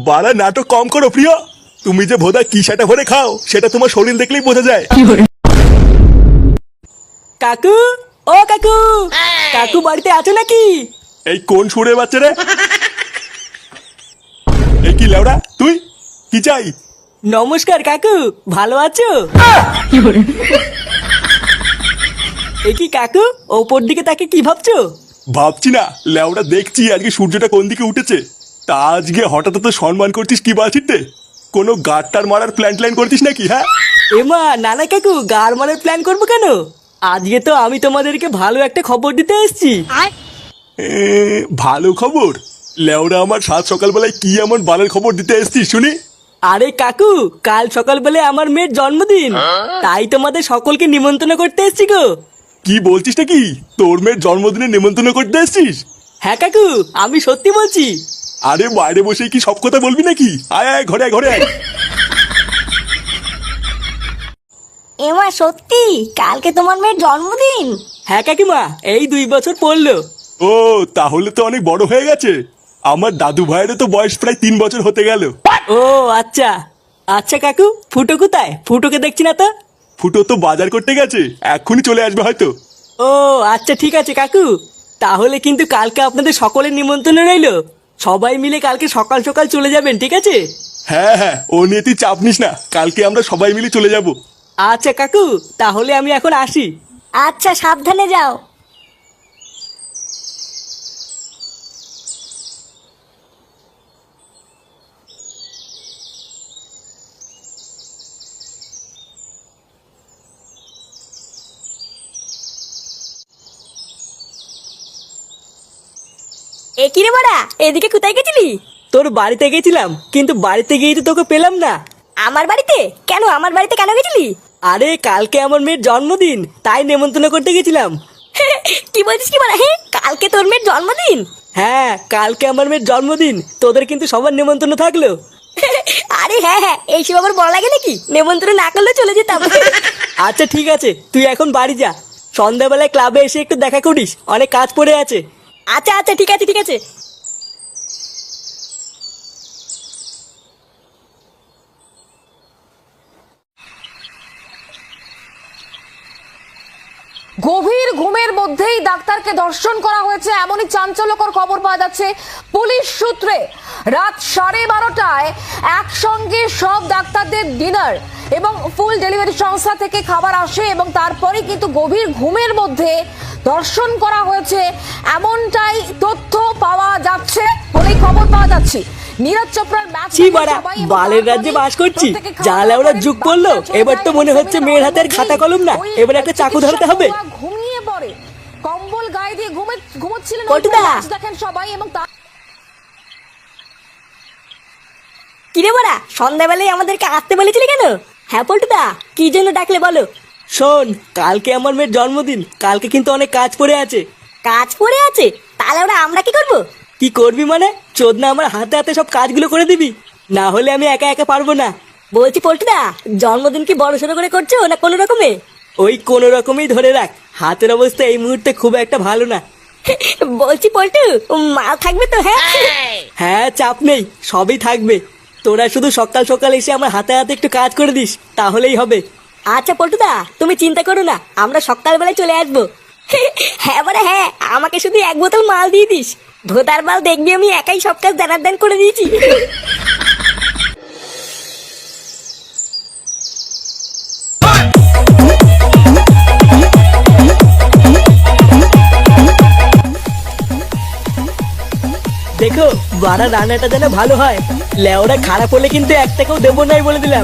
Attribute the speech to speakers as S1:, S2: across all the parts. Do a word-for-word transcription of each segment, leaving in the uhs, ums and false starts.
S1: বাড়া নাটক কম করো প্রিয়। তুমি যে ভোদা কি সেটা ভরে খাও সেটা তোমার শরীর দেখলেই বোঝা যায়।
S2: কাকু, ও কাকু, কাকু বাড়িতে আছো নাকি?
S1: এই কোন সুরের বাচ্চা রে? এই কি লেওড়া তুই? কি চাই?
S2: নমস্কার কাকু, ভালো আছো? এ কি কাকু, ওপর দিকে তাকে কি ভাবছো?
S1: ভাবছি না লেওড়া, দেখছি আজকে সূর্যটা কোন দিকে উঠেছে। তা আজকে হঠাৎ তো সম্মান করছিস কি বাছিতে? কোনো গাড়টার মারার প্ল্যান ট্যান করছিস নাকি? হ্যাঁ
S2: এমা নানা কাকু, গার মারার প্ল্যান করবো কেন? আজকে তো আমি তোমাদেরকে ভালো একটা খবর দিতে এসেছি।
S1: এ, ভালো খবর? লেওড়া আমার সাত সকালবেলায় কি এমন বালের খবর দিতে এসছিস শুনি?
S2: আরে কাকু, কাল সকালবেলা আমার মেয়ের জন্মদিন, তাই তোমাদের সকলকে নিমন্ত্রণ করতে এসেছি গো।
S1: কি বলছিস নাকি? তোর মেয়ের জন্মদিনে নিমন্ত্রণ করতে এসছিস?
S2: হ্যাঁ কাকু, আমি সত্যি বলছি।
S1: আরে বাইরে বসে কি সব কথা বলবি নাকি? আয় আয় ঘরে আয়, ঘরে আয়।
S3: এমা সত্যি কালকে তোমার মেয়ের জন্মদিন?
S2: হ্যাঁ কাকিমা, এই দুই বছর পড়লো।
S1: ও তাহলে তো অনেক বড় হয়ে গেছে। আমার দাদু ভাইয়েরও তো বয়স প্রায় তিন বছর হতে গেল।
S2: ও আচ্ছা আচ্ছা কাকু, ফুটো কোথায়? ফুটোকে দেখছি না তো।
S1: ফুটো তো বাজার করতে গেছে, এক্ষুনি চলে আসবে হয়তো।
S2: ও আচ্ছা ঠিক আছে কাকু, তাহলে কিন্তু কালকে আপনাদের সকলের নিমন্ত্রণ রইলো। সবাই মিলে কালকে সকাল সকাল চলে যাবেন, ঠিক আছে?
S1: হ্যাঁ হ্যাঁ, ও নিয়ে তুই চাপ নিস না, কালকে আমরা সবাই মিলে চলে যাব।
S2: আচ্ছা কাকু, তাহলে আমি এখন আসি।
S3: আচ্ছা সাবধানে যাও। এ কি রে বড়া, এদিকে কোথায় গেছিলি?
S2: তোর বাড়িতে গেছিলাম, কিন্তু বাড়িতে গিয়ে তো তোকে পেলাম না।
S3: আমার বাড়িতে কেন? আমার বাড়িতে কেন গেছিলি?
S2: আরে কালকে আমার মেয়ের জন্মদিন, তাই নেমন্তন্ন করতে গেছিলাম।
S3: কি বলছিস কি বলা? হ্যাঁ কালকে তোর মেয়ের জন্মদিন?
S2: হ্যাঁ কালকে আমার মেয়ের জন্মদিন, তোদের কিন্তু সবার নেমন্তন্ন থাকলো।
S3: আরে হ্যাঁ হ্যাঁ, এইসব আবার বলা লাগে নাকি? নেমন্ত্রণ না করলে চলে যেতাম।
S2: আচ্ছা ঠিক আছে, তুই এখন বাড়ি যা। সন্ধ্যাবেলায় ক্লাবে এসে একটু দেখা করিস, অনেক কাজ পড়ে আছে।
S3: আচ্ছা আচ্ছা ঠিক আছে ঠিক আছে।
S4: গভীর ঘুমের মধ্যেই ডাক্তারকে ধর্ষণ করা হয়েছে, এমনই চাঞ্চল্যকর খবর পাওয়া যাচ্ছে পুলিশ সূত্রে। রাত সাড়ে বারোটায় একসঙ্গে সব ডাক্তারদের ডিনার এবং ফুল ডেলিভারি সংস্থা থেকে খাবার আসে এবং তারপরে কিন্তু গভীর ঘুমের মধ্যে ধর্ষণ করা হয়েছে, এমনটাই তথ্য পাওয়া যাচ্ছে বলেই খবর পাওয়া যাচ্ছে। নীরজ চোপড়ার ম্যাচ
S2: ছি বাড়া, বালের রাজ্যে বাস করছি, জালে ওরা যুগ করলো। এবার তো মনে হচ্ছে মেয়ের হাতের খাতা কলম না, এবার একটা চাকু ধরতে হবে।
S4: ঘুমিয়ে পড়ে, কম্বল গায়ে দিয়ে ঘুমে ঘুমোচ্ছিলেন।
S3: পটুদা!
S4: দেখেন সবাই এবং তার
S3: কি রে বড়া, সন্ধ্যাবেলায় আমাদেরকে আসতে বলেছিলি কেন? হ্যাঁ পল্টুদা, কি জন্য ডাকলে বলো?
S2: শোন, কালকে আমার মেয়ের জন্মদিন, কালকে কিন্তু অনেক কাজ পড়ে আছে।
S3: কাজ পড়ে আছে? তাহলে ওরা আমরা কি করবো?
S2: কি করবি মানে? চোদনা আমার হাতে হাতে সব কাজগুলো করে দিবি, না হলে আমি একা একা পারবো না।
S3: বলছি পল্টুদা, জন্মদিন কি বড় সড়ো করে করছো না কোনো রকমে?
S2: ওই কোনো রকমই ধরে রাখ, হাতের অবস্থা এই মুহূর্তে খুব একটা ভালো না।
S3: বলছি পল্টু, মাল থাকবে তো? হ্যাঁ
S2: হ্যাঁ চাপ নেই, সবই থাকবে। তোরা শুধু সকাল সকাল এসে আমার হাতে হাতে একটু কাজ করে দিস, তাহলেই হবে।
S3: আচ্ছা পল্টুদা, তুমি চিন্তা করো না, আমরা সকালবেলায় চলে আসবো। হ্যাঁ বড়া হ্যাঁ, আমাকে শুধু এক বোতল মাল দিয়ে দিস। ভোদার মাল দেখবি আমি একাই সব কাজ দানার দান করে দিয়েছি।
S2: দেখো বাড়া, রান্নাটা যেন ভালো হয়। লেওরা খারাপ হলে কিন্তু এক টাকাও দেবো নাই বলে দিলাম।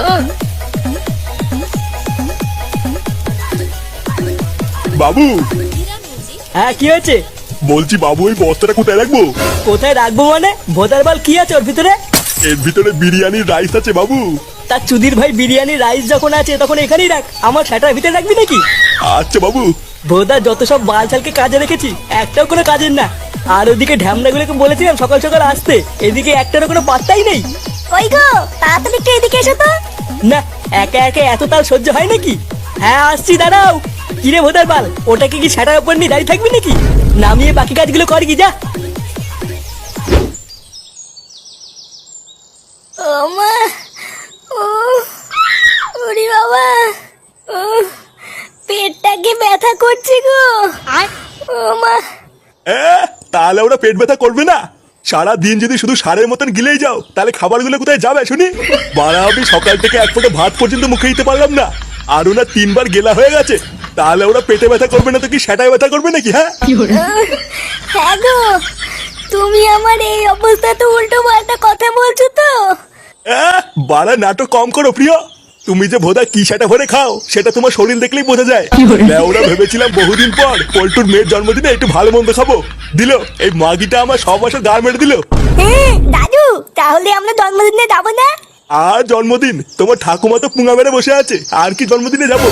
S1: বাবু!
S2: হ্যাঁ কি হয়েছে?
S1: বলছি বাবু, ওই বস্তাটা কোথায় রাখবো?
S2: কোথায় রাখবো মানে? ভোদার বাল কি আছে ওর ভিতরে?
S1: এর ভিতরে বিরিয়ানির রাইস আছে বাবু।
S2: তার চুদির ভাই, বিরিয়ানি রাইস যখন আছে তখন এখানেই রাখ, আমার সেটার ভিতরে রাখবি নাকি?
S1: আচ্ছা বাবু।
S2: ভোদা যত সব বাল ছালকে কাজে রেখেছি, একটাও কোনো কাজের না। আর ওদিকে ঢ্যামনাগুলোকে বলেছিলাম সকাল সকাল আসতে, এদিকে একটারও কোনো পাত্তাই নেই।
S3: ওই গো, তাড়াতাড়ি একটু এদিকে এসো তো।
S2: না, একা একা এত তাল সহ্য হয় নাকি? হ্যাঁ আসছি, দাঁড়াও। কিরে ভোদার বাল, ওটাকে কি সেটার উপর নিয়ে দাঁড়িয়ে থাকবি নাকি? নামিয়ে বাকি কাজগুলো কর কি, যা।
S3: মা, ও ওরে বাবা, ও পেটটাকে ব্যথা করছে গো। ও মা,
S1: এ, তাহলে ওরা পেট ব্যথা করবে না? সারা দিন যদি শুধু সারের মতন গিলেই যাও তাহলে খাবারগুলো কোথায় যাবে শুনি? বাড়া, আমি সকাল থেকে এক ফোঁটা ভাত পর্যন্ত মুখে দিতে পারলাম না, আর ওরা তিনবার গেলা হয়ে গেছে। তাহলে ওরা পেটে ব্যথা করবে না তো কি সেটাই ব্যথা করবে নাকি? হ্যাঁ
S3: হ্যাঁ গো, তুমি আমার এই অবস্থা তো উল্টো পাল্টা কথা বলছো তো।
S1: আহ, বাড়া নাটক কম করো প্রিয়। তুমি যে ভোদা কি সেটা ভরে খাও সেটা তোমার শরীর দেখলেই বোঝা যায়। ওরা ভেবেছিলাম বহুদিন পর পল্টুর মেয়ের জন্মদিনে একটু ভালো মন্দ খাবো, দিল এই মাগিটা আমার সব বছর গাড় মেরে দিল।
S3: হ্যাঁ দাদু, তাহলে আমরা জন্মদিনে যাবো না?
S1: আর জন্মদিন? তোমার ঠাকুমা তো পুঙা মেরে বসে আছে, আর কি জন্মদিনে যাবো?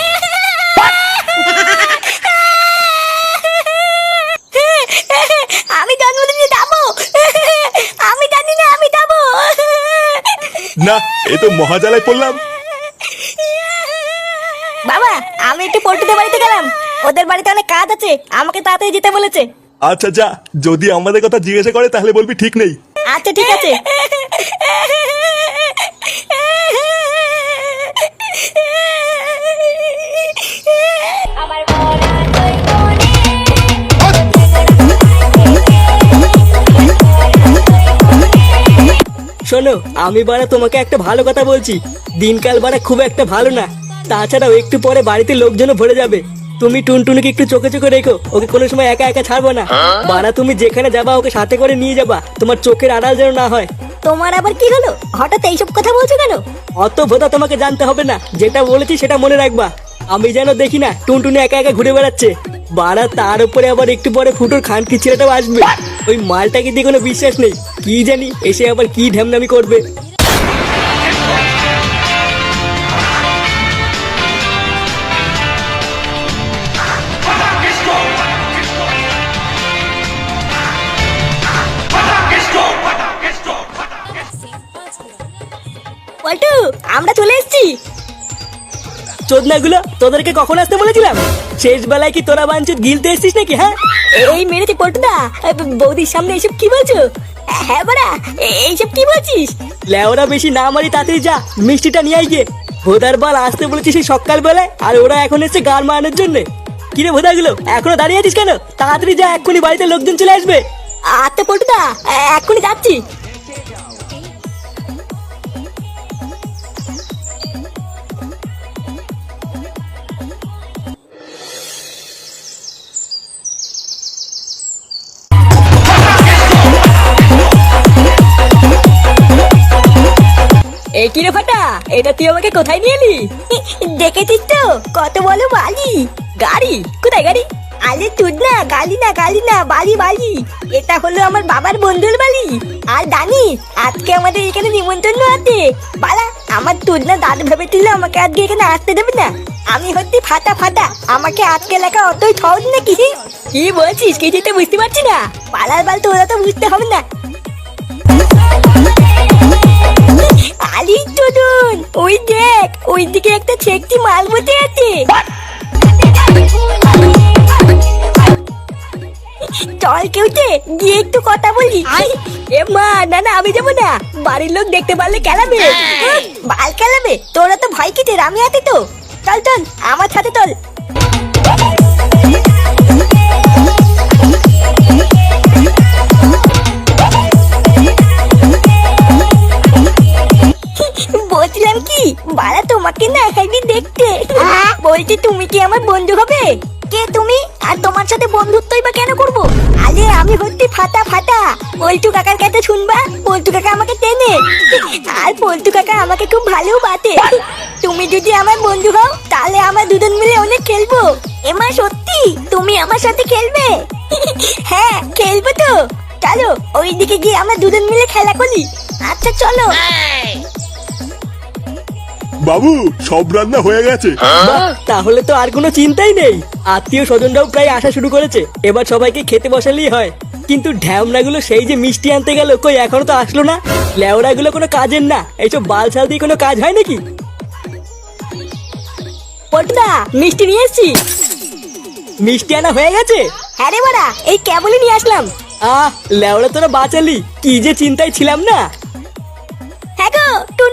S3: আমি জন্মদিনে যাবো, আমি জানি না আমি যাবো।
S1: না, এ তো মহাজালায় পড়লাম।
S3: বাবা, আমি একটু পল্টুদের বাড়িতে গেলাম, ওদের বাড়িতে অনেক কাজ আছে, আমাকে তাড়াতাড়ি যেতে বলেছে।
S1: আচ্ছা যা, যদি আমাদের কথা জিজ্ঞাসা করে তাহলে বলবি ঠিক নেই।
S3: আচ্ছা ঠিক আছে। আমার
S2: শোনো, আমি বাড়া তোমাকে একটা ভালো কথা বলছি, দিনকাল বাড়া খুব একটা ভালো না। তাছাড়াও একটু পরে বাড়িতে লোকজনও ভরে যাবে। তুমি টুনটুনিকে একটু চোখে চোখে রেখো, ওকে কোনো সময় একা একা ছাড়বো না। বাড়া তুমি যেখানে যাবা ওকে সাথে করে নিয়ে যাবা, তোমার চোখের আড়াল যেন না হয়।
S3: তোমার আবার কি হলো, হঠাৎ এইসব কথা বলছো কেন?
S2: অত ভোদা তোমাকে জানতে হবে না, যেটা বলেছি সেটা মনে রাখবা। আমি যেন দেখি না টুনটুনি একা একা ঘুরে বেড়াচ্ছে। বাড়া তার উপরে আবার একটু পরে ফুটোর খানকি ছেলেটাও আসবে। ওই মালটাকে দিয়ে কোনো বিশ্বাস নেই, কি জানি এসে আবার কি ঢ্যামনামি করবে।
S3: পল্টু, আমরা চলে এসেছি।
S2: চোদনাগুলো, তোদেরকে কখন আসতে বলেছিলাম? শেষ বেলায় কি তোরা বাঞ্চুত গিলতে এসছিস নাকি? হ্যাঁ
S3: এই মেরেছে পল্টুদা, বৌদির সামনে এইসব কি বলছো? হ্যাঁ বাড়া, এইসব কি বলছিস?
S2: লেওরা বেশি না মারি, তাড়াতাড়ি যা মিষ্টিটা নিয়ে আই গিয়ে। ভোদার বাল আসতে বলেছিস সেই সকাল বেলায়, আর ওরা এখন এসছে গান মারানোর জন্য। কিরে ভোদাগুলো, এখনো দাঁড়িয়ে আছিস কেন? তাড়াতাড়ি যা, এক্ষুনি বাড়িতে লোকজন চলে আসবে।
S3: আচ্ছা পল্টুদা, এক্ষুনি যাচ্ছি।
S2: এই কিরে ফাটা, এটা তুই আমাকে কোথায় নিয়ে এলি?
S3: দেখেছিস তো কত বলো বালি।
S2: গাড়ি? কোথায় গাড়ি?
S3: আরে তুই না, গালি না গালি না, বালি বালি। এটা হলো আমার বাবার বন্ধুর বাড়ি। আর জানি আজকে আমাদের এখানে নিমন্ত্রণ আছে। বালা, আমার তুই না দাদু ভেবেছিল আমাকে আজকে এখানে আসতে দেবে না। আমি হচ্ছি ফাটা ফাটা, আমাকে আজকে লেখা অতই সহজ নাকি?
S2: কি বলছিস, কিছুই তো বুঝতে পারছি না।
S3: পালার বাল তোরা তো বুঝতে হবে না। আলি টুডুন, ওই দেখ, ওই দিকে একটা ছেকটি মাল বসে আছে। চল কেউতে গিয়ে একটু কথা বলি।
S2: এ মা, না না আমি যাবো না, বাড়ির লোক দেখতে পারলে কেলাবে।
S3: বাল খেলাবে? তোরা তো ভয় কিসের, আমি আছি তো। চল চল আমার সাথে চল। বলছিলাম কি, বাড়া তোমাকে না এখানে দেখতে। বলছি তুমি কি আমার বন্ধু হবে? কে তুমি? আর তোমার সাথে বন্ধুত্বই বা কেন করবো? আরে আমি হচ্ছি ফাটা ফাটা, পল্টু কাকার কাছে শুনবা, পল্টু কাকা আমাকে টেনে। আর পল্টু কাকা আমাকে খুব ভালো বাতে। তুমি যদি আমার বন্ধু হও তাহলে আমরা দুজন মিলে অনেক খেলবো। এমা সত্যি তুমি আমার সাথে খেলবে? হ্যাঁ খেলবো তো। চলো ওইদিকে গিয়ে আমরা দুজন মিলে খেলা করি। আচ্ছা চলো।
S1: বাবু, সব রান্না হয়ে গেছে।
S2: বাহ, তাহলে তো আর কোনো চিন্তাই নেই। আত্মীয় স্বজনরাও প্রায় আসা শুরু করেছে, এবার সবাইকে খেতে বসালেই হয়। কিন্তু ঢ্যামনাগুলো সেই যে মিষ্টি আনতে গেল, কই এখনো তো আসলো না। লেওড়াগুলো কোনো কাজের না, এইসব বালছাল দিয়ে কোনো কাজ হয় নাকি?
S3: পটুদা, মিষ্টি নিয়ে এসছি।
S2: মিষ্টি আনা হয়ে গেছে?
S3: হ্যাঁ রে বাড়া, এই কেবলই নিয়ে আসলাম।
S2: আহ লেওড়া, তোরা বাঁচালি, কি যে চিন্তায় ছিলাম না।
S3: হ্যাঁ গো,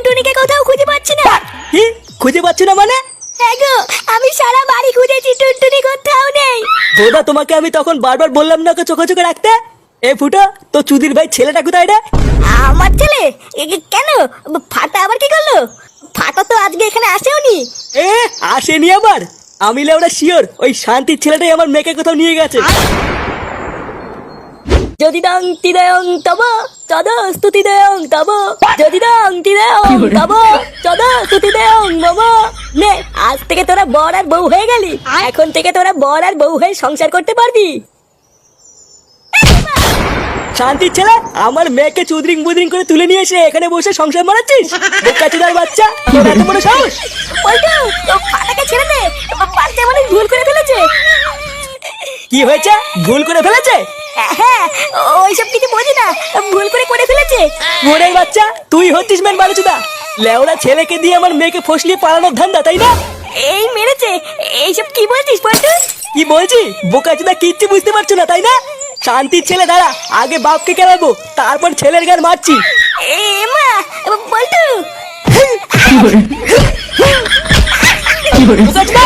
S3: টুনটুনিকে কোথাও খুঁজে পাচ্ছি না।
S2: কি খুঁজে পাচ্ছ না মানে?
S3: হ্যাঁ গো, আমি সারা বাড়ি খুঁজেছি, টুনটুনি কোথাও নেই।
S2: বোধা তোমাকে আমি তখন বারবার বললাম না ওকে চোখে চোখে রাখতে। এ ফুটো, তো চুদির ভাই ছেলেটা কোথায় রে?
S3: আমার ছেলে? এ, এ, কেন? ফাটা আবার কি করলো? ফাটা তো আজকে এখানে আসেওনি।
S2: এ আসেনি আবার? আমি লেওরা শিওর ওই শান্তির ছেলেটাই আমার মেয়েকে কোথাও নিয়ে গেছে।
S3: যদি দং তিদয়ং তব তদ স্তুতি দেয়ং তব, যদি দং তিদয়ং তব তদ স্তুতি দেয়ং মম। নে, আজ থেকে তোরা বর আর বউ হয়ে গেলি। এখন থেকে তোরা বর আর বউ হয়ে সংসার করতে পারবি।
S2: শান্তির ছেলে, আমার মেয়েকে চুদরিং বুদরিং করে তুলে নিয়ে এসে এখানে বসে সংসার মারাচ্ছিস? বোকাচোদার বাচ্চা, তোর এত বড় সাহস!
S3: বলটু, ও ফাটাকে ছেড়ে দে, বাচ্চা মানে ভুল করে ফেলেছে।
S2: কি হয়েছে? ভুল করে ফেলেছে?
S3: হ্যাঁ, ওইসব কিছু বোঝে না, ভুল করে করে ফেলেছে।
S2: মোড়ের বাচ্চা, তুই হচ্ছিস মেন বারুচুদা। লেওড়া ছেলেকে দিয়ে আমার মেয়েকে ফসলিয়ে পালানোর ধান্দা, তাই না?
S3: এই মেরেছে, এইসব কি বলছিস বলটু?
S2: কি বলছি? বোকাচোদা কিচ্ছু বুঝতে পারছো না, তাই না? শান্তির ছেলে দাঁড়া, আগে বাপকে কেলাবো, তারপর ছেলের গান মারছি।
S3: এ মা, বলটু।
S2: বোকাচোদা!